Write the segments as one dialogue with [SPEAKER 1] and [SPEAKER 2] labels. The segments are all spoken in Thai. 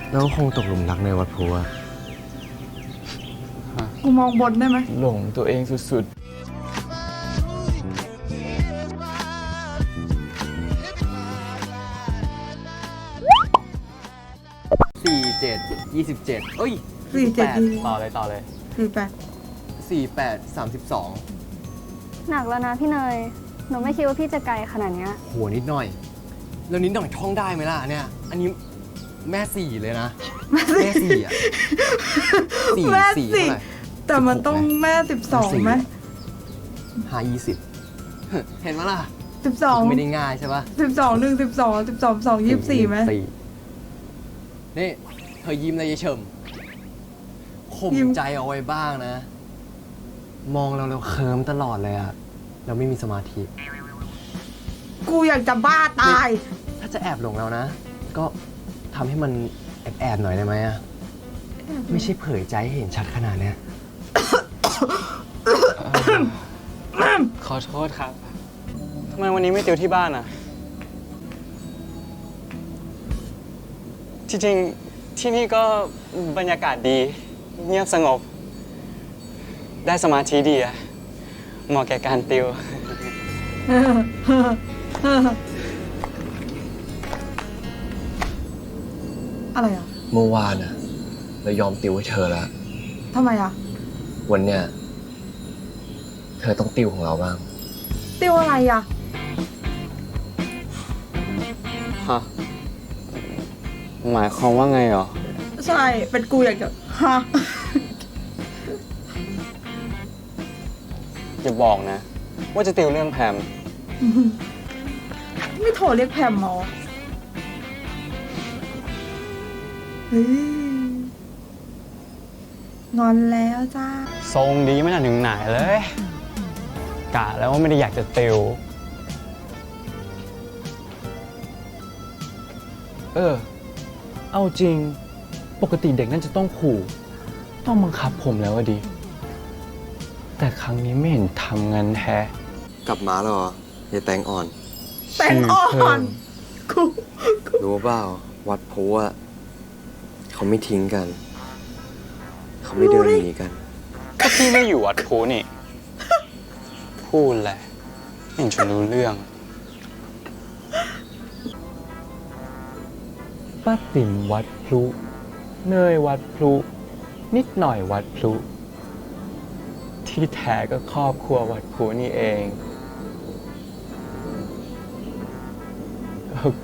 [SPEAKER 1] แล้วคงตกหลุมรักในวัดพลูอะ
[SPEAKER 2] กูมองบนได้ไหม
[SPEAKER 3] หลงตัวเองสุด
[SPEAKER 1] 47 27เอ้ย
[SPEAKER 2] 47
[SPEAKER 3] ต่อเลย
[SPEAKER 2] 48
[SPEAKER 1] 32
[SPEAKER 4] หนักแล้วนะพี่เนย หนูไม่คิดว่าพี่จะไกลขนาดเนี้ย
[SPEAKER 1] หัวนิดหน่อย แล้วนิดหน่อยท่องได้ไหมล่ะเนี่ย อันนี้แม่สี่เลยนะ แม่สี่อะสี่
[SPEAKER 2] แม่
[SPEAKER 1] สี่
[SPEAKER 2] สิ
[SPEAKER 1] เท่าไหร่
[SPEAKER 2] แต่มันต้องแม่12ไหม
[SPEAKER 1] 5 20 เห็นไหมล่ะ
[SPEAKER 2] 12
[SPEAKER 1] ไม่ได้ง่ายใช่ปะ
[SPEAKER 2] 12 1 12 12 2 24ไหม
[SPEAKER 1] นี่เธอยิ้มเลยยายเฉิมข่ม
[SPEAKER 2] ยิ้ม
[SPEAKER 1] ใจเอาไว้บ้างนะ มองเราเคิมตลอดเลยอะเราไม่มีสมาธิ
[SPEAKER 2] กูอยากจะบ้าตาย
[SPEAKER 1] ถ้าจะแอบหลงเรานะ ก็ทำให้มันแอบหน่อยได้ไหมอะไม่ใช่เผยใจให้เห็นชัดขนาดเนี้ย
[SPEAKER 3] ๆ ขอโทษครับทำไมวันนี้ไม่ติวที่บ้านอ่ะที่จริงที่นี่ก็บรรยากาศดี เงียบสงบ ได้สมาธิดีอะเหมาะแก่การติว
[SPEAKER 2] อะไรอ่ะ
[SPEAKER 1] เมื่อวานอะเรายอมติวให้เธอแล้ว
[SPEAKER 2] ทำไมอ่ะ
[SPEAKER 1] วันเนี้ยเธอต้องติวของเราบ้าง
[SPEAKER 2] ติวอะไรอ่ะ
[SPEAKER 3] ฮะ หมายความว่าไงเหรอ
[SPEAKER 2] ใช่ เป็นกูอยากจะฮะ
[SPEAKER 3] อย่าบอกนะ ว่าจะติวเรื่องแพม
[SPEAKER 2] ไม่โทรเรียกแพมหมอเฮ้ยงอนแล้วจ้า
[SPEAKER 3] ทรงดีไม่น่าถึงไหนเลยกะแล้วว่าไม่ได้อยากจะติว เอาจริง ปกติเด็กนั่นจะต้องขู่ ต้องบังคับผมแล้วอะดิ แต่ครั้งนี้ไม่เห็นทำงานแท้
[SPEAKER 1] กลับมาแล้วเหรออย่าแตงอ่อน
[SPEAKER 2] แต่งอ่อนกู
[SPEAKER 1] รู้เปล่าวัดโพอะเขาไม่ทิ้งกัน เขาไม่เดินหนีกัน
[SPEAKER 3] ก็พี่ไม่อยู่วัดพูนี่ พูดแหละไม่เห็นจะรู้เรื่อง ป้าติ๋มวัดพลุ เนยวัดพลุ นิดหน่อยวัดพลุ ที่แท้ก็ครอบครัววัดพลุนี่เอง โอเค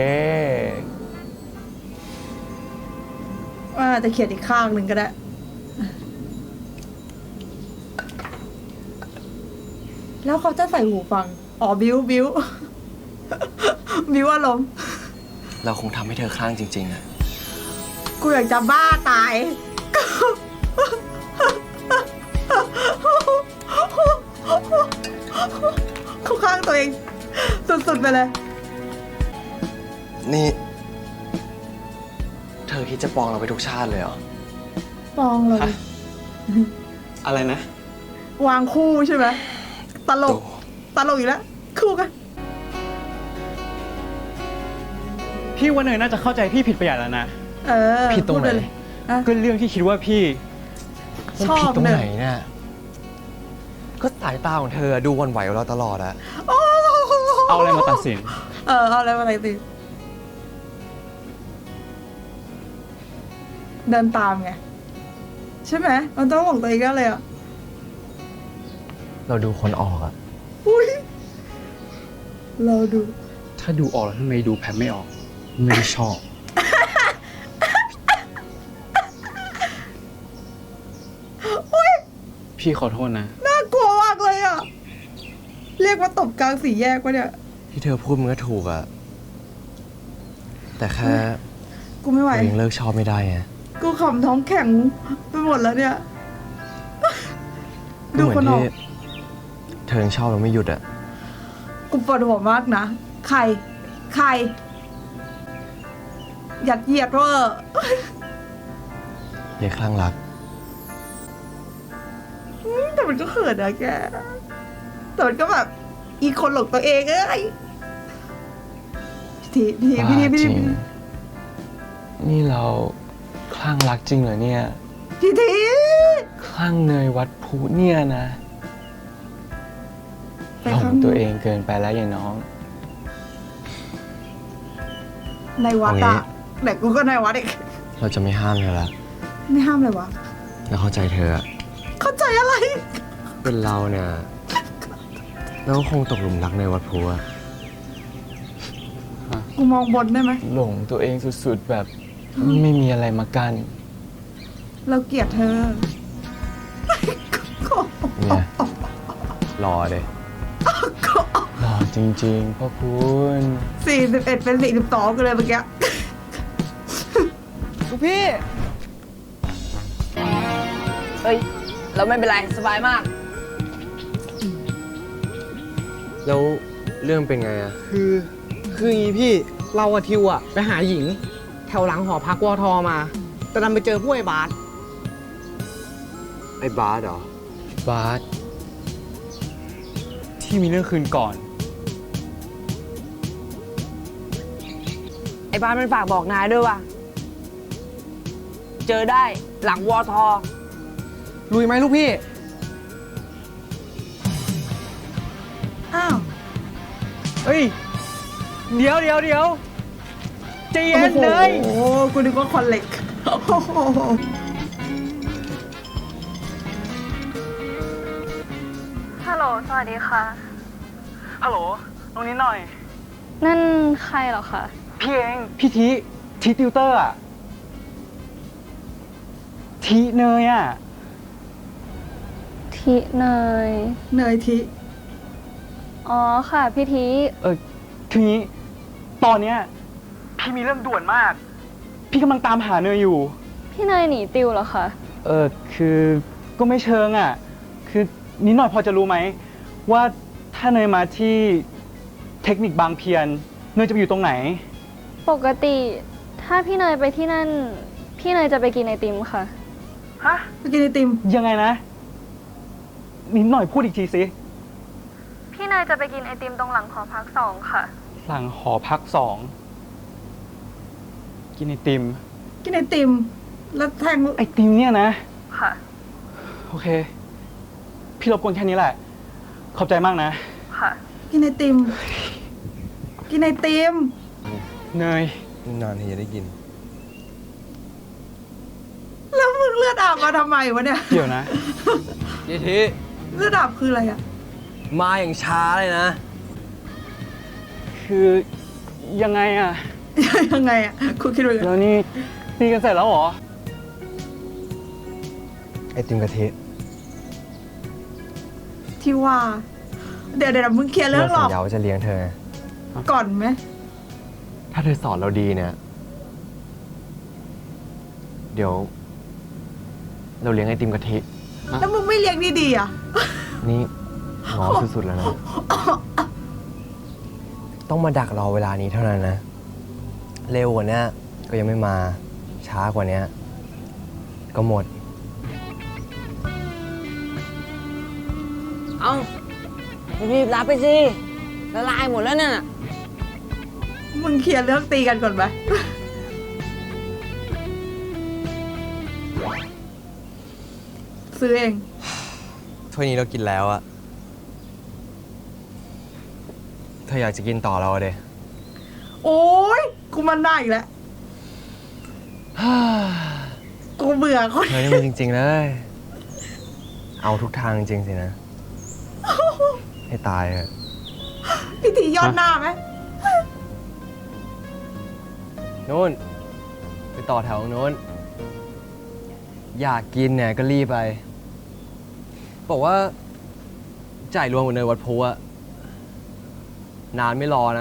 [SPEAKER 2] ว่าจะเขียนอีกข้างหนึ่งก็ได้ แล้วเขาจะใส่หูฟัง อ๋อ บิ้ว บิ้ว บิ้วอารมณ์
[SPEAKER 1] เราคงทำให้เธอคลั่งจริงๆอะ
[SPEAKER 2] กูอยากจะบ้าตาย กูข้างตัวเอง สุดๆไปเลย
[SPEAKER 1] นี่ เธอคิดจะปองเราไปทุกชาติเลยเหรอ
[SPEAKER 2] ปองเลย
[SPEAKER 3] ฮะ อะไรนะ
[SPEAKER 2] วางคู่ใช่ไหมตลก ตลกอีกแล้ว คู่กัน
[SPEAKER 3] พี่ว่าเนยน่าจะเข้าใจพี่ผิดไปอย่างแล้วนะ
[SPEAKER 2] เออ
[SPEAKER 1] ผิดตรงไหน
[SPEAKER 2] พูเลยอะ
[SPEAKER 3] ก็เรื่องที่คิดว่าพี่
[SPEAKER 2] ชอบ
[SPEAKER 1] ผิดตรง
[SPEAKER 2] เน
[SPEAKER 1] ไหน
[SPEAKER 2] ย
[SPEAKER 1] เนี่ยก็สายตาของเธอดูหวันไหวกับเราตลอดอะ
[SPEAKER 3] เอาอะไรมาตัดสิน
[SPEAKER 2] เอาอะไรมาไหนติเดินตามไง ใช่ไหมมันต้องบอกตัวเองกันเลยอ่ะ
[SPEAKER 1] เราดูคนออกอะ
[SPEAKER 2] อุ้ยเราดู
[SPEAKER 3] ถ้าดูออกแล้วทำไมดูแพมไม่ออก ไม่ได้ชอบ พี่ขอโทษนะ
[SPEAKER 2] น่ากลัวมากเลยอ่ะ เรียกว่าตบกลางสี่แยกวะเนี่ย
[SPEAKER 1] ที่เธอพูดมันก็ถูกอะแต่แค่
[SPEAKER 2] กูไม่ไหว
[SPEAKER 1] เรายังเลิกชอบไม่ได้ไง
[SPEAKER 2] กูขำท้องแข็งไปหมดแล้วเนี่ย
[SPEAKER 1] ก็
[SPEAKER 2] ดู
[SPEAKER 1] เหมือ
[SPEAKER 2] คน
[SPEAKER 1] น
[SPEAKER 2] ออก
[SPEAKER 1] ที่เธอยังชอบเราไม่หยุดอะ
[SPEAKER 2] กูปวดหัวมากนะ ใคร ยัดเยียดเวอร์
[SPEAKER 1] อย่าคลั่งรัก
[SPEAKER 2] แต่มันก็เขินนะแก แต่มันก็แบบ อีคนหลงตัวเองเอ้ยพี่ที
[SPEAKER 1] บ้าจริง
[SPEAKER 3] นี่เราคลั่งรักจริงเหรอเนี่ย
[SPEAKER 2] พี่ที
[SPEAKER 3] คลั่งเนยวัดพลุเนี่ยนะ
[SPEAKER 2] ไป
[SPEAKER 3] หล
[SPEAKER 2] ข้าง
[SPEAKER 3] งตัวเองเกินไปแล้วยายน้อง
[SPEAKER 2] ในวัด
[SPEAKER 1] เอางี้
[SPEAKER 2] อะแต่กูก็ในวัดอีก
[SPEAKER 1] เราจะไม่ห้ามเธอละ
[SPEAKER 2] ไม่ห้ามเลยวะ
[SPEAKER 1] แล้วเข้าใจเธออะ
[SPEAKER 2] เข้าใจอะไร
[SPEAKER 1] เป็นเราเนี่ยเราก็คงตกหลุมรักในวัดพลุอะ
[SPEAKER 2] กูมองบนได้ไหม
[SPEAKER 3] หลงตัวเองสุดๆแบบไม่มีอะไรมากั้น
[SPEAKER 2] เราเกลียดเธอ
[SPEAKER 1] เนี่ยรอเลย
[SPEAKER 3] หล่อจริงๆพ่อคุณ
[SPEAKER 2] 41เป็น42กันเลยเมื่อกี้
[SPEAKER 5] ลูกพี่ เฮ้ย เราไม่เป็นไร สบายมาก
[SPEAKER 1] แล้วเรื่องเป็นไงอะ
[SPEAKER 5] คืออย่างงี้พี่ เรากับทิวอะไปหาหญิง แถวหลังหอพักวทมา แต่ดันไปเจอผู้ไอ้บาส
[SPEAKER 1] ไอ้บาสเหรอ บาส
[SPEAKER 3] ที่มีเรื่องคืนก่อน
[SPEAKER 5] ไอ้บาสมันฝากบอกนายด้วยว่า เจอได้หลังวทลุยไหมลูกพี่
[SPEAKER 2] อ้าว
[SPEAKER 3] เฮ้ย เดี๋ยวใจเย็นเลย
[SPEAKER 2] โอ้โหกูนึกว่าคอนเล็กโอ้โห
[SPEAKER 4] ฮัลโหล สวัสดีค่ะ
[SPEAKER 3] ฮัลโหล ตรงนี้หน่อย
[SPEAKER 4] นั่นใครเหรอคะ
[SPEAKER 3] พี่เอง พี่ทีติวเตอร์อะทีเนยอะ
[SPEAKER 4] ทิเนย
[SPEAKER 2] เนยที
[SPEAKER 4] อ๋อค่ะ พี่ทิ
[SPEAKER 3] คืองี้ ตอนเนี้ยพี่มีเรื่องด่วนมาก พี่กำลังตามหาเนยอยู่
[SPEAKER 4] พี่เนยหนีติวเหรอคะ
[SPEAKER 3] คือก็ไม่เชิงอ่ะ คือนิดหน่อยพอจะรู้ไหม ว่าถ้าเนยมาที่เทคนิคบางเพียน เนยจะไปอยู่ตรงไหน
[SPEAKER 4] ปกติถ้าพี่เนยไปที่นั่น พี่เนยจะไปกินไอติมค่ะ
[SPEAKER 3] ฮะ
[SPEAKER 2] ไปกินไอติม
[SPEAKER 3] ยังไงนะ นิดหน่อยพูดอีกทีสิ
[SPEAKER 4] พี่เนยจะไปกินไอติมตรงหลังหอพัก2ค่ะ
[SPEAKER 3] หลังหอพัก2 กินไอติม
[SPEAKER 2] กินไอติม แล้วแทง
[SPEAKER 3] ไอติมเนี่ยนะ
[SPEAKER 4] ค่ะ
[SPEAKER 3] โอเค พี่รบกวนแค่นี้แหละ ขอบใจมากนะ
[SPEAKER 4] ค่ะ
[SPEAKER 2] กินไอติม กินไอติม
[SPEAKER 3] เนย
[SPEAKER 1] นานที่จะได้กิน
[SPEAKER 2] แล้วมึงเลือดอาบมาทำไมวะเนี่ย
[SPEAKER 3] เดี๋ยวนะ
[SPEAKER 1] ยี่ที
[SPEAKER 2] เลือดอาบคืออะไรอะ
[SPEAKER 1] มาอย่างช้าเลยนะ
[SPEAKER 3] คือยังไงอะ
[SPEAKER 2] ยังไงอะคุณคิดว่าไง
[SPEAKER 3] แล้วนี่ตีกันเสร็จแล้วเหรอ
[SPEAKER 1] ไอติมกะทิ
[SPEAKER 2] ที่ว่า เดี๋ยวมึงเคลียร์เรื่องหล
[SPEAKER 1] สั
[SPEAKER 2] อก
[SPEAKER 1] ญญาว่าจะเลี้ยงเธอ
[SPEAKER 2] ก่อนไหม
[SPEAKER 1] ถ้าเธอสอนเราดีเนี่ย เดี๋ยว เราเลี้ยงไอติมกะทิ
[SPEAKER 2] แล้วมึงไม่เลี้ยงดีๆอะ
[SPEAKER 1] นี่ง้อสุดๆแล้วนะ ต้องมาดักรอเวลานี้เท่านั้นนะ เร็วกว่านี้ก็ยังไม่มา ช้ากว่านี้ก็หมด
[SPEAKER 5] เอารีบรับไปสิ ละลายหมดแล้วเนี่ย
[SPEAKER 2] มึงเคลียร์เรื่องตีกันก่อนไหม ซื้อเอง
[SPEAKER 1] ถ้วยนี้เรากินแล้วอะเธออยากจะกินต่อเราอะเด
[SPEAKER 2] โอ๊ย กูมันได้อีกแล้ว กูเบื่อคน
[SPEAKER 1] เธอนี่มันจริง ๆ เลย เอาทุกทางจริง ๆ สินะ ให้ตายเถอะ
[SPEAKER 2] พิธียอดหน้าไหม
[SPEAKER 1] นู้น ไปต่อแถวโน้น อยากกินเนี่ยก็รีบไป บอกว่า จ่ายรวมกับเนยวัดพลุอะนานไม่รอนะ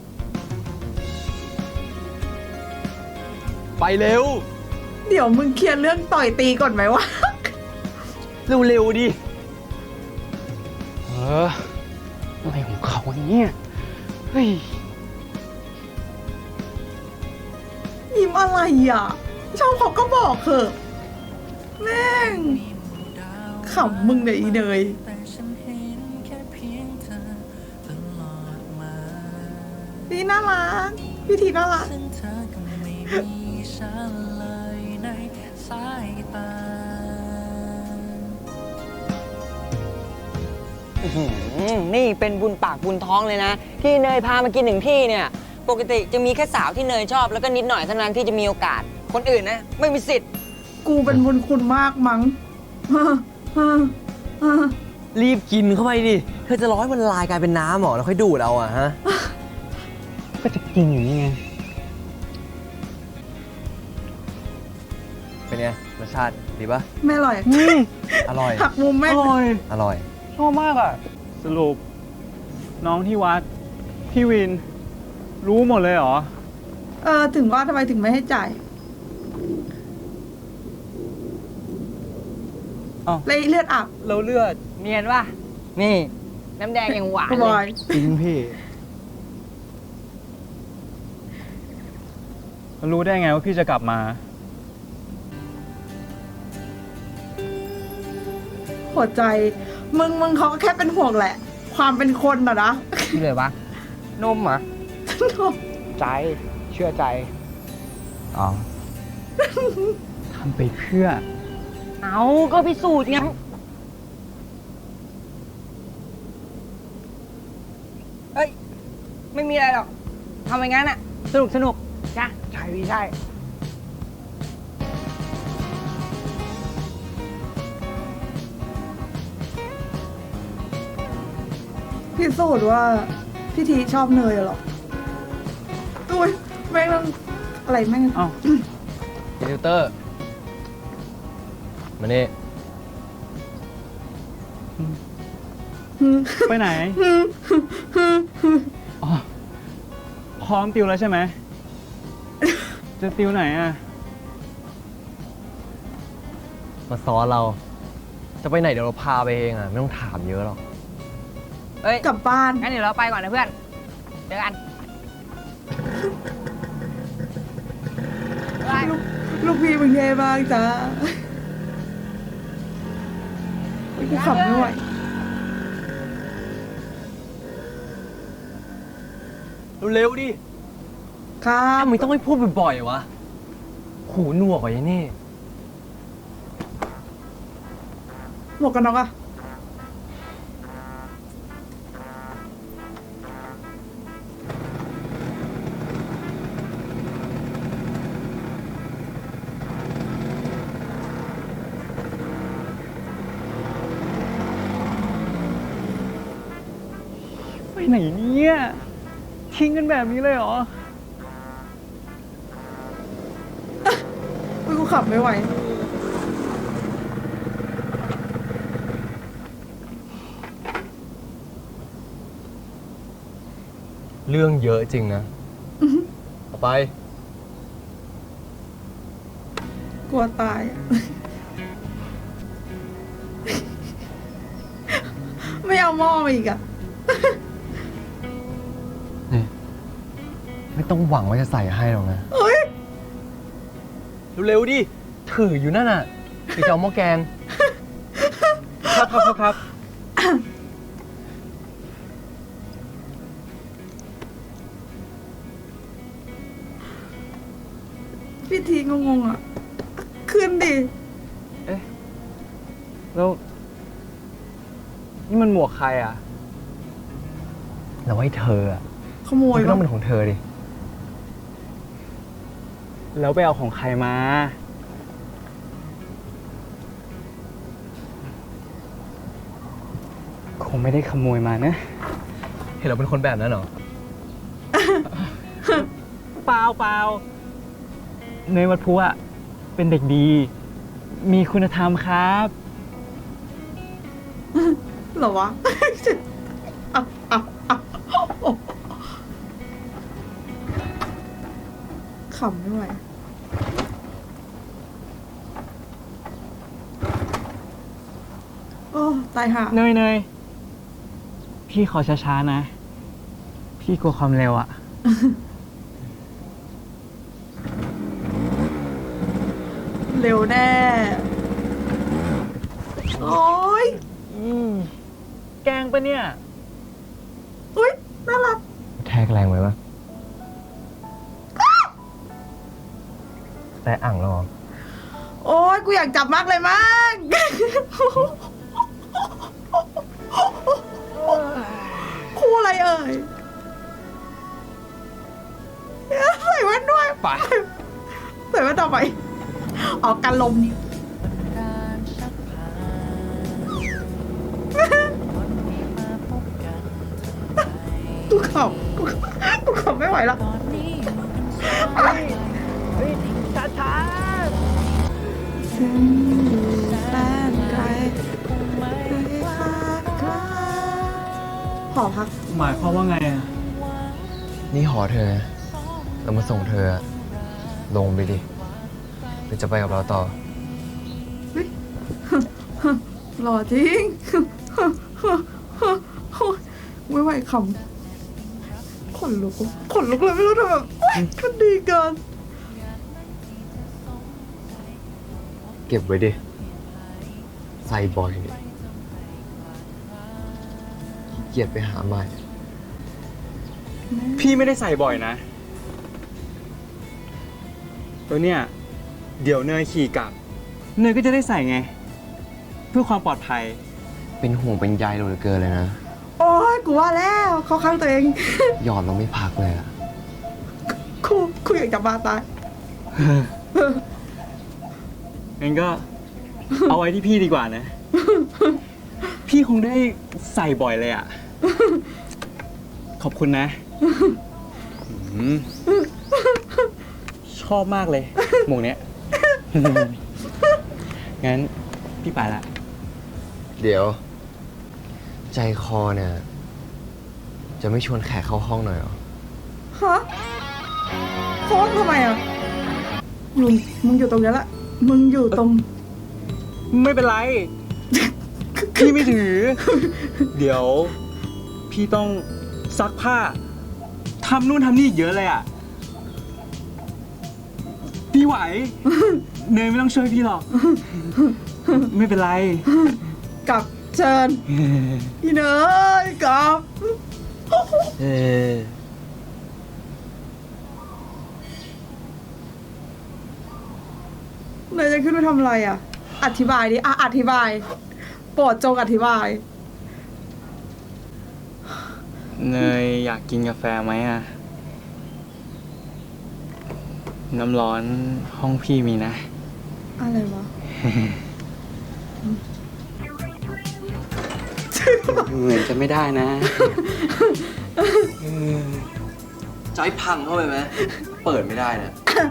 [SPEAKER 1] ไปเร็ว
[SPEAKER 2] เดี๋ยวมึงเคลียร์เรื่องต่อยตีก่อนไหมวะ
[SPEAKER 1] เร็ว ๆ ดิ
[SPEAKER 3] อะไรของเขาเนี่ย เฮ้ย
[SPEAKER 2] ยิ้มอะไรอ่ะชอบเขาก็บอกเถอะแม่งขำมึงเนี่ยอีเนยพี่น่ารักพี่ทีน่ารัก
[SPEAKER 6] ฉันเลยในสายตา
[SPEAKER 5] นี่เป็นบุญปากบุญท้องเลยนะ ที่เนยพามากินถึงที่เนี่ย ปกติจะมีแค่สาวที่เนยชอบแล้วก็นิดหน่อยเท่านั้นที่จะมีโอกาส คนอื่นนะ ไม่มีสิทธิ์
[SPEAKER 2] กูเป็นบุญคุณมากมั้ง
[SPEAKER 1] รีบกินเข้าไปดิ เธอจะรอให้มันละลายกลายเป็นน้ำเหรอแล้วค่อยดูดเอาอะฮะ
[SPEAKER 3] ก็จะกินอยู่นี่ไง
[SPEAKER 1] เป็นไงรสชาติดีปะ
[SPEAKER 2] ไม่อร่อย
[SPEAKER 1] อร่อย
[SPEAKER 2] หักมุมแม่ง
[SPEAKER 1] อร่อย
[SPEAKER 3] ชอบมากอ่ะ สรุป น้องที่วัด พี่วิน รู้หมดเลยเหรอ
[SPEAKER 2] ถึงว่าทำไมถึงไม่ให้จ่าย
[SPEAKER 3] อ้าว
[SPEAKER 2] เลยเลือดอาบ
[SPEAKER 3] เราเลือด
[SPEAKER 5] เนียนป่ะ นี่ น้ำแดงยังหวาน
[SPEAKER 2] กู
[SPEAKER 5] เล
[SPEAKER 2] บอย
[SPEAKER 5] ย
[SPEAKER 3] จริงพี่ รู้ได้ไงว่าพี่จะกลับมา
[SPEAKER 2] หัวใจ มึงเขาก็แค่เป็นห่วงแหละ ความเป็นคนอะนะ
[SPEAKER 5] ที่เลยวะ นมเหรอ
[SPEAKER 3] ใจ เชื่อใจ อ๋อ ทำไปเพื่อ
[SPEAKER 5] เอาก็พิสูจน์ไงเอ้ย ไม่มีอะไรหรอก ทำอย่างนั้นอะสนุกจ้ะใช่พี่ใช่
[SPEAKER 2] พิสูจน์ว่าพี่ทีชอบเนยเหรออุ้ยแม่งต้องอะไรแม่ง
[SPEAKER 3] อ้าว
[SPEAKER 1] ติวเตอร์ มานี่
[SPEAKER 3] ไปไหน อ๋อ พร้อมติวแล้วใช่ไหม จะติวไหนอ่ะ
[SPEAKER 1] มาซ้อนเรา จะไปไหนเดี๋ยวเราพาไปเองอะไม่ต้องถามเยอะหรอก
[SPEAKER 5] เอ้ย
[SPEAKER 2] กลับบ้าน
[SPEAKER 5] งั้นเดี๋ยวเราไปก่อนนะเพื่อน เจอกันบ๊ายบาย
[SPEAKER 2] ลูกพี่มึงเท่มากจ้ากูขับไม่ไหว
[SPEAKER 1] เร็วๆดิ
[SPEAKER 2] ครับ
[SPEAKER 1] ทำไมต้องให้พูดบ่อยๆวะ หูหนวกกว่ายัยนี่
[SPEAKER 2] หมวกกันน็อกอะ
[SPEAKER 3] ไปไหนเนี่ย ทิ้งกันแบบนี้เลยเหรอ
[SPEAKER 2] กูขับไม่ไหว
[SPEAKER 1] เรื่องเยอะจริงนะเอาไป
[SPEAKER 2] กลัวตายอะ ไม่เอาหม้อมาอีกอะ
[SPEAKER 1] ไม่ต้องหวังว่าจะใส่ให้หรอกนะ
[SPEAKER 2] เฮ้ย
[SPEAKER 1] เร็วๆดิ ถืออยู่นั่นน่ะไปจะเอาหม้อแกง
[SPEAKER 3] ครับ
[SPEAKER 2] พี่ทีงงๆอะขึ้นดิ
[SPEAKER 3] แล้ว นี่มันหมวกใครอ่ะ
[SPEAKER 1] แล้วให้เธออะ
[SPEAKER 2] ขโมย
[SPEAKER 1] มันก็ต้
[SPEAKER 2] ปะ
[SPEAKER 1] องเป็นของเธอดิ
[SPEAKER 3] แล้วไปเอาของใครมา คงไม่ได้ขโมยมานะ
[SPEAKER 1] เห็นเราเป็นคนแบบนั้นเหรอ
[SPEAKER 3] เปล่าเนยวัดพุอะเป็นเด็กดี มีคุณธรรมครับ
[SPEAKER 2] เหรอวะ ขำไม่ไหว โอ้ ตายห่า
[SPEAKER 3] เนย พี่ขอช้าๆนะ พี่กลัวความเร็วอะ
[SPEAKER 2] เร็วแน่ โอ้ย
[SPEAKER 3] แกล้งปะเนี่ย
[SPEAKER 2] อุ้ย น่ารัก
[SPEAKER 1] แทกแรงไว้ปะแต่อ่างหรอ
[SPEAKER 2] โอ้ยกูอยากจับมากเลยมั้ง คู่อะไรเอ่ยใส่แว่นด้วย
[SPEAKER 1] ไป
[SPEAKER 2] ใส่แว่นต่อไปออกกันลม
[SPEAKER 6] การสักผ่านวันนี้มาพบกันทันใด
[SPEAKER 2] กูขำกูขำไม่ไหวแล้ว
[SPEAKER 6] ตอนนี้อยู่กันสอง
[SPEAKER 2] ฉันอยู่แสนไกล
[SPEAKER 6] คงไม่
[SPEAKER 2] ขอพัก
[SPEAKER 3] หมายความว่าไงอะ
[SPEAKER 1] นี่หอเธอนะเรามาส่งเธอลงไปดิหรือจะไปกับเราต่อ
[SPEAKER 2] หล่อจริง ไม่ไหวขำขนลุกเลยไม่รู้ทำแบบมันดีเกิน
[SPEAKER 1] เก็บไว้ดิ ใส่บ่อยเนี่ยขี้เกียจไปหาใหม่
[SPEAKER 3] พี่ไม่ได้ใส่บ่อยนะตัวเนี้ยเดี๋ยวเนยขี่กลับ เนยก็จะได้ใส่ไง เพื่อความปลอดภัย
[SPEAKER 1] เป็นห่วงเป็นใยเราเหลือเกินเลยนะ
[SPEAKER 2] โอ้ยกูว่าแล้วเขาข้างตัวเอง
[SPEAKER 1] หยอดเราไม่พักเลยอะ
[SPEAKER 2] กูอยากจะบ้าตาย
[SPEAKER 3] งั้นก็ เอาไว้ที่พี่ดีกว่านะ พี่คงได้ใส่บ่อยเลยอ่ะ ขอบคุณนะอืมชอบมากเลย หมวกเนี้ย งั้นพี่ไปละ
[SPEAKER 1] เดี๋ยว ใจคอเนี่ย จะไม่ชวนแขกเข้าห้องหน่อยเหรอ
[SPEAKER 2] ฮะโค้งทำไมอ่ะมึงอยู่ตรงนี้แหละ มึงอยู่ตรง
[SPEAKER 3] ไม่เป็นไร พี่ไม่ถือ เดี๋ยว พี่ต้องซักผ้าทำนู่นทำนี่อีกเยอะเลยอ่ะ พี่ไหว เนยไม่ต้องช่วยพี่หรอก ไม่เป็นไร
[SPEAKER 2] กลับเชิญอีเนยกลับ
[SPEAKER 1] เออ
[SPEAKER 2] เนยจะขึ้นไปทำอะไรอ่ะ อธิบายดิอธิบาย โปรดจงอธิบาย
[SPEAKER 3] เนยอยากกินกาแฟไหมอ่ะ น้ำร้อนห้องพี่มีนะ
[SPEAKER 2] อะไรวะ
[SPEAKER 3] เหมือนจะไม่ได้นะ
[SPEAKER 1] จอยพังเข้าไปไหม เปิดไม่ได้นะ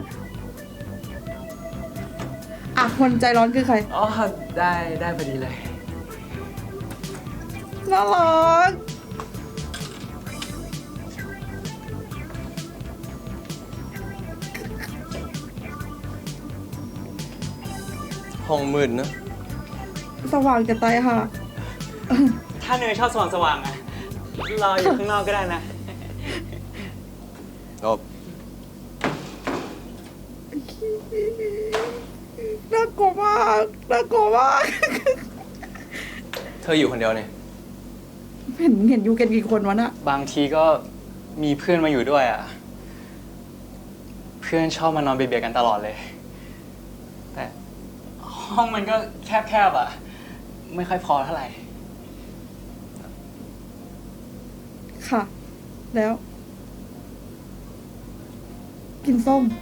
[SPEAKER 2] อ่ะคนใจร้อนคือใคร
[SPEAKER 3] อ๋อ ได้พอดีเลย
[SPEAKER 2] น่ารัก
[SPEAKER 1] ห้องมืดนะ
[SPEAKER 2] สว่างจะตายค่ะ
[SPEAKER 3] ถ้าเนยชอบสว่างๆอ่ะ รออยู่ข้างนอกก็ได้นะ
[SPEAKER 1] จบ
[SPEAKER 2] น่ากลัวมากน่ากลัวมาก
[SPEAKER 1] เธออยู่คนเดียวเนี่ย
[SPEAKER 2] เห็นอยู่กันกี่คนวะน่ะ
[SPEAKER 3] บางทีก็มีเพื่อนมาอยู่ด้วยอ่ะ เพื่อนชอบมานอนเบียดๆกันตลอดเลย แต่ห้องมันก็แคบๆอ่ะ ไม่ค่อยพอเท่าไหร่
[SPEAKER 2] ค่ะ แล้ว กินส้ม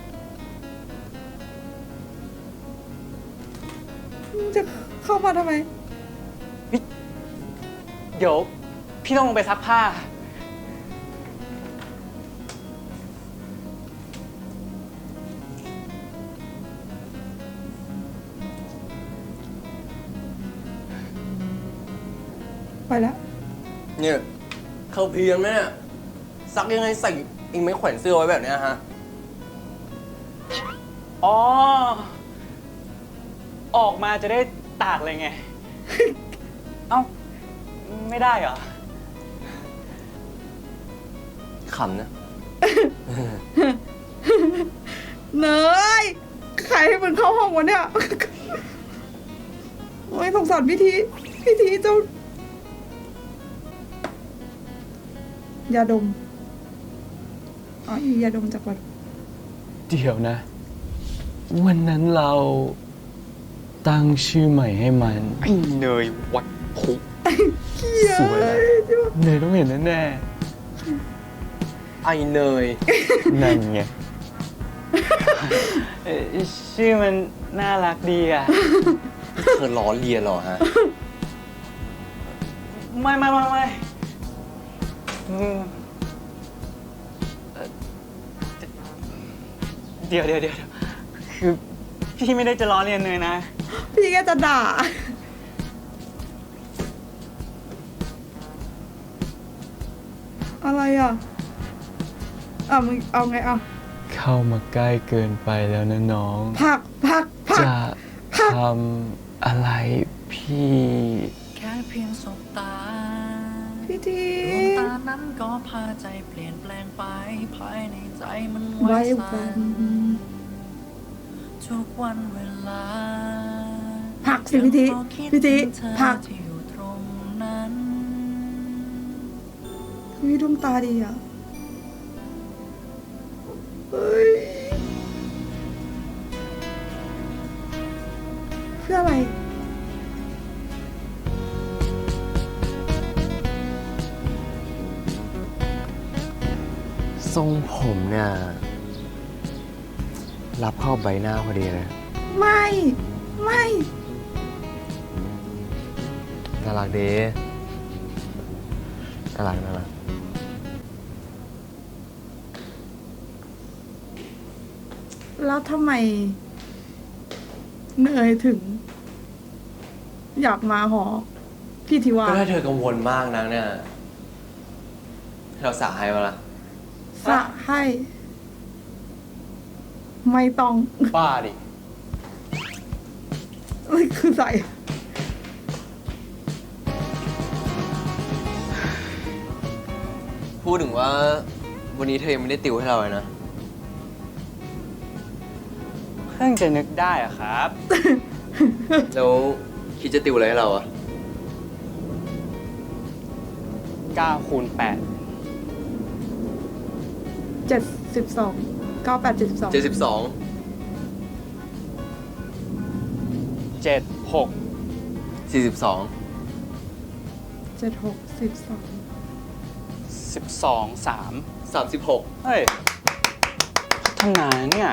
[SPEAKER 2] มึงจะเข้ามาทำไม
[SPEAKER 3] เดี๋ยวพี่ต้องลงไปซักผ้า
[SPEAKER 2] ไปแล้ว
[SPEAKER 1] เนี่ย เขาเพียนไหมเนี่ย ซักยังไงใส่เองไม่แขวนเสื้อไว้แบบเนี้ยฮะ
[SPEAKER 3] อ๋อ ออกมาจะได้ตากเลยไง เอ้า ไม่ได้เหรอ
[SPEAKER 1] ขำนะ
[SPEAKER 2] เนย ใครให้มึงเข้าห้องวะเนี่ย โอ้ยสงสารพิธีเจ้ายาดม อ๋อยาดมจากวัด
[SPEAKER 3] เดี๋ยวนะวันนั้นเราตั้งชื่อใหม่ให้มัน ไอ้เนยวัดพุ สวยอะเนยต้องเห็นแน่
[SPEAKER 1] ไอเนย
[SPEAKER 3] ๆ นั่นไงชื่อมันน่ารักดีอ่ะ
[SPEAKER 1] เธอล้อเลียนเหรอฮะ
[SPEAKER 3] ไม่เดี๋ยวคือพี่ไม่ได้จะล้อเลียนเนยนะ
[SPEAKER 2] พี่ก็จะด่า อะไรอ่ะมึงเอาไงอ่ะ
[SPEAKER 3] เข้ามาใกล้เกินไปแล้วนะน้อง
[SPEAKER 2] ผัก
[SPEAKER 3] จะทำอะไรพี่
[SPEAKER 6] แค่เพียงสบตา
[SPEAKER 2] พี่ที
[SPEAKER 6] ดวงตานั้นก็พาใจเปลี่ยนแปลงไป ภายในใจมันไหว
[SPEAKER 2] ไว้
[SPEAKER 6] สั่
[SPEAKER 2] วัน น
[SPEAKER 6] ทุกวันเวลา
[SPEAKER 2] ผักสิพี่ที
[SPEAKER 6] ยังพอคิด
[SPEAKER 2] พี่ที
[SPEAKER 6] ถึงเธอ
[SPEAKER 2] ผัก
[SPEAKER 6] ที่อยู่ตรงนั้น
[SPEAKER 2] พี่ดวงตาดีอ่ะเฮ้ยเพื่ออะไร
[SPEAKER 1] ทรงผมเนี่ย รับเข้าใบหน้าพอดีเลย
[SPEAKER 2] ไม่
[SPEAKER 1] น่ารักดีน่ารัก
[SPEAKER 2] แล้วทำไมเนยถึง อยากมาหอพี่ทิวา
[SPEAKER 1] ก็ถ้าเธอกังวลมากนักเนี่ยให้เราสาให้มาละ
[SPEAKER 2] สะให้ ไม่ต้อง
[SPEAKER 1] บ้าดิ
[SPEAKER 2] คือใส่
[SPEAKER 1] พูดถึงว่าวันนี้เธอยังไม่ได้ติวให้เราเลยนะ
[SPEAKER 3] เพิ่งจะนึกได้อะครับ
[SPEAKER 1] แล้วคิดจะติวอะไรให้เราอะ
[SPEAKER 3] 9 คูณ 8
[SPEAKER 2] 72 98 72
[SPEAKER 1] 72
[SPEAKER 3] 7 6
[SPEAKER 1] 42
[SPEAKER 2] 76
[SPEAKER 3] 12 3
[SPEAKER 1] 36
[SPEAKER 3] เฮ้ย พัฒนาเนี่ย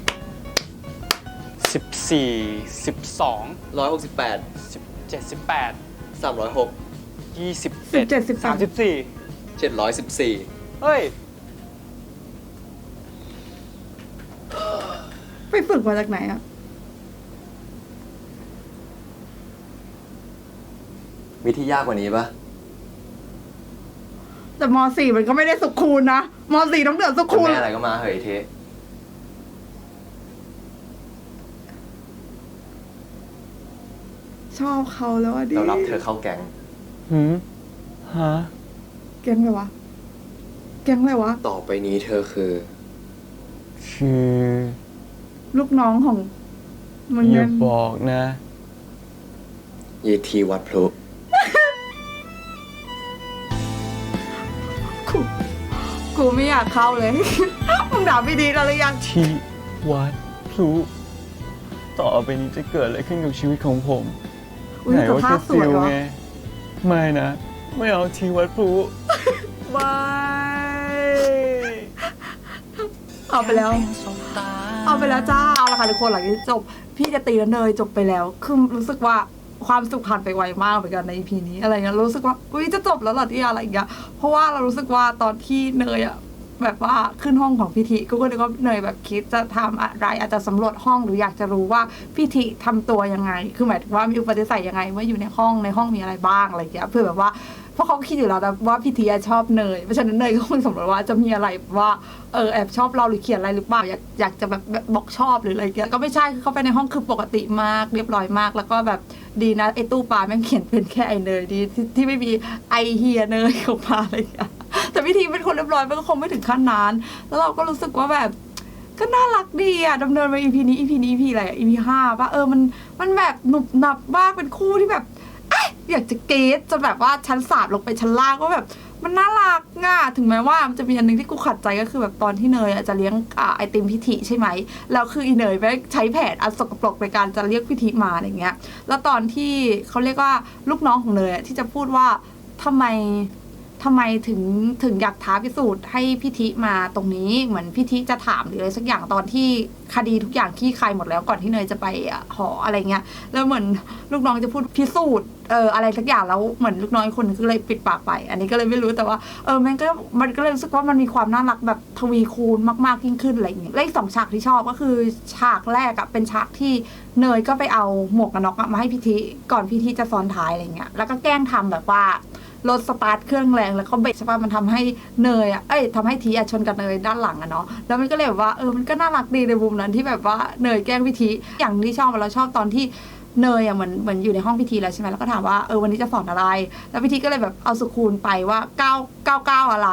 [SPEAKER 3] 14 12
[SPEAKER 1] 168
[SPEAKER 3] 17 18
[SPEAKER 1] 306
[SPEAKER 3] 21
[SPEAKER 2] 17
[SPEAKER 3] 34
[SPEAKER 1] 714
[SPEAKER 3] เฮ้ย
[SPEAKER 2] ไปฝึกมาจากไหนอะ
[SPEAKER 1] มีที่ยากกว่านี้ปะ
[SPEAKER 2] แต่ม .4 มันก็ไม่ได้สุขคูณนะม .4 ต้องเดือดสุข
[SPEAKER 1] จะ
[SPEAKER 2] คูณ
[SPEAKER 1] แม่อะไรก็มาเหยเท
[SPEAKER 2] ชอบเขาแล้วอ่ะดิ
[SPEAKER 1] เรารับเธอเข้าแก๊ง
[SPEAKER 3] ฮะ
[SPEAKER 2] แก๊งอะไรวะ แก๊งอะไรวะ
[SPEAKER 1] ต่อไปนี้เธอคือ
[SPEAKER 3] คือ
[SPEAKER 2] ลูกน้องของมัน
[SPEAKER 3] อย่า
[SPEAKER 2] เงิน
[SPEAKER 3] บอกนะ
[SPEAKER 1] เยทีวัดพลุ
[SPEAKER 2] กูไม่อยากเข้าเลย มึงด่าไม่ดีแล้วหรือยัง
[SPEAKER 3] ที่วัดพลุต่อไปนี้จะเกิดอะไรขึ้นกับชีวิตของผม
[SPEAKER 2] อุ้ย
[SPEAKER 3] ไหน
[SPEAKER 2] แต่
[SPEAKER 3] ว่า
[SPEAKER 2] ภา
[SPEAKER 3] แค่
[SPEAKER 2] พส
[SPEAKER 3] ติ
[SPEAKER 2] วยว วะ
[SPEAKER 3] ไง ไม่นะ ไม่เอาที่วัดพลุไม่
[SPEAKER 2] เอาไปแล้ว
[SPEAKER 6] เพียงสบตา
[SPEAKER 2] เอาไปแล้วจ้า เอาละค่ะทุกคนหลังจากที่จบ พี่จะตีแล้วเนยจบไปแล้ว คือรู้สึกว่าความสุขผ่านไปไวมากเหมือนกันใน EP นี้อะไรเงี้ยรู้สึกว่าอุ้ยจะจบแล้วเหรอที่อะไรอย่างเงี้ยเพราะว่าเรารู้สึกว่าตอนที่เนยอะแบบว่าขึ้นห้องของพิธีก็นึกว่าเนยแบบคิดจะทำอะไรอาจจะสำรวจห้องหรืออยากจะรู้ว่าพิธีทำตัวยังไง คือหมายถึงว่ามีอุปนิสัยยังไงเมื่ออยู่ในห้องมีอะไรบ้างอะไรอย่างเงี้ยเพื่อแบบว่าเพราะเขาคิดอยู่แล้วนะว่าพิธีชอบเนยเพราะฉะนั้นเนยก็คงสำรวจว่าจะมีอะไรว่าแอบชอบเราหรือเขียนอะไรหรือเปล่าอยากจะแบบบอกชอบหรืออะไรเงี้ยก็ไม่ใช่คือเขาไปในห้องคือปกติมากเรียบร้อยมาก แล้วก็แบบดีนะไอ้ตู้ปลาแม่งเขียนเป็นแค่ไอ้เนยดีที่ไม่มีไอเฮียเนยของปลาอะไรอย่างเงี้ยแต่พิธีเป็นคนเรียบร้อยมันก็คงไม่ถึงขั้นนั้นแล้วเราก็รู้สึกว่าแบบก็น่ารักดีอ่ะดำเนินมา EP นี้ EP อะไรอ่ะ EP 5ป่ะมันแบบหนุบหนับมากเป็นคู่ที่แบบอยากจะเกตจนแบบว่าชั้น3ลงไปชั้นล่างก็แบบมันน่ารักง่ะถึงแม้ว่ามันจะมีอันนึงที่กูขัดใจก็คือแบบตอนที่เนยจะเลี้ยงไอติมพิธีใช่ไหมแล้วคืออีเนยไปใช้แผนอันสกปรกในการจะเรียกพิธีมาอะไรเงี้ยแล้วตอนที่เขาเรียกว่าลูกน้องของเนยที่จะพูดว่าทำไมถึงอยากท้าพิสูจน์ให้พิธีมาตรงนี้เหมือนพิธีจะถามหรืออะไรสักอย่างตอนที่คดีทุกอย่างขี้คายหมดแล้วก่อนที่เนยจะไปหออะไรเงี้ยแล้วเหมือนลูกน้องจะพูดพิสูจน์อะไรสักอย่างแล้วเหมือนลูกน้องคนนึงก็เลยปิดปากไปอันนี้ก็เลยไม่รู้แต่ว่ามันก็เลยรู้สึกว่ามันมีความน่ารักแบบทวีคูณมากๆยิ่งขึ้นอะไรอย่างเงี้ยและอีก2 ฉากที่ชอบก็คือฉากแรกเป็นฉากที่เนยก็ไปเอาหมวกกันน็อกมาให้พิธีก่อนพิธีจะซ้อนท้ายอะไรเงี้ยแล้วก็แกล้งทำแบบว่ารถสตาร์ทเครื่องแรงแล้วเขาเบรกใช่ป่ะมันทำให้เนยทำให้ทีชนกับเนยด้านหลังเนาะแล้วมันก็เลยแบบว่ามันก็น่ารักดีในมุมนั้นที่แบบว่าเนยแกล้งพิธีอย่างที่ชอบเราชอบตอนที่เนยเหมือนอยู่ในห้องพิธีแล้วใช่ไหมแล้วก็ถามว่าวันนี้จะสอนอะไรแล้วพิธีก็เลยแบบเอาสุคูณไปว่า999อะไร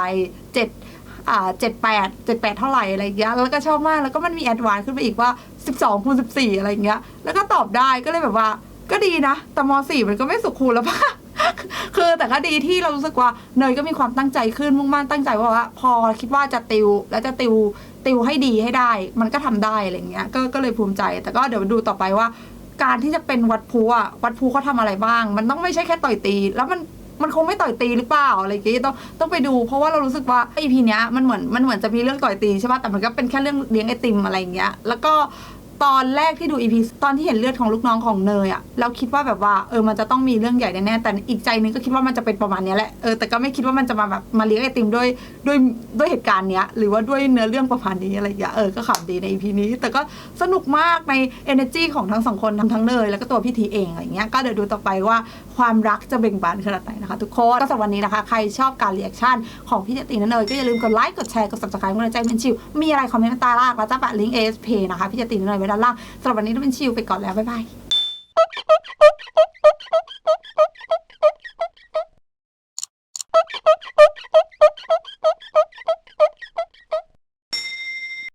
[SPEAKER 2] 78เท่าไหร่อะไรอย่างเงี้ยแล้วก็ชอบมากแล้วก็มันมีแอดวานซ์ขึ้นไปอีกว่า12คูณ14อะไรอย่างเงี้ยแล้วก็ตอบได้ก็เลยแบบว่าก็ดีนะแต่ม.4มันก็ไม่สุคูณแล้วป่ะคือแต่ก็ดีที่เรารู้สึกว่าเนยก็มีความตั้งใจขึ้นมุ่งมั่นตั้งใจว่าพอคิดว่าจะติวแล้วจะติวให้ดีให้ได้มันก็ทำได้อะไรเงี้ยก็เลยภูมิใจแต่ก็เดี๋ยวดูต่อไปว่าการที่จะเป็นวัดภูวัดภูเขาทำอะไรบ้างมันต้องไม่ใช่แค่ต่อยตีแล้วมันคงไม่ต่อยตีหรือเปล่าอะไรอย่างเงี้ยต้องไปดูเพราะว่าเรารู้สึกว่าEPเนี้ยมันเหมือนจะมีเรื่องต่อยตีใช่ป่ะแต่มันก็เป็นแค่เรื่องเลี้ยงไอติมอะไรอย่างเงี้ยแล้วก็ตอนแรกที่ดู EP ตอนที่เห็นเลือดของลูกน้องของเนยเราคิดว่าแบบว่ามันจะต้องมีเรื่องใหญ่แน่ๆแต่อีกใจนึงก็คิดว่ามันจะเป็นประมาณนี้แหละแต่ก็ไม่คิดว่ามันจะมาแบบมาเลี้ยงไอติมด้วยเหตุการณ์เนี้ยหรือว่าด้วยเนื้อเรื่องประมาณนี้อะไรอย่างเงี้ยก็ขำดีใน EP นี้แต่ก็สนุกมากใน energy ของทั้ง2คนทั้งเนยแล้วก็ตัวพี่ทีเองอะไรเงี้ยก็เดี๋ยวดูต่อไปว่าความรักจะเบ่งบานขนาดไหนนะคะทุกคนก็สำหรับวันนี้นะคะใครชอบการรีแอคชั่นของพี่ตีและเนยก็อย่าลืมกดไลค์กดแชร์กด subscribe กดใจเป็นชิวมีอะไรคอมเมนต์ใต้ล่างแล้วจะแปะลิงก์ ASP นะคะพี่ตีและเนยไว้ด้านล่างสำหรับวันนี้ต้องเป็นชิวไปก่อนแล้วบ๊ายบาย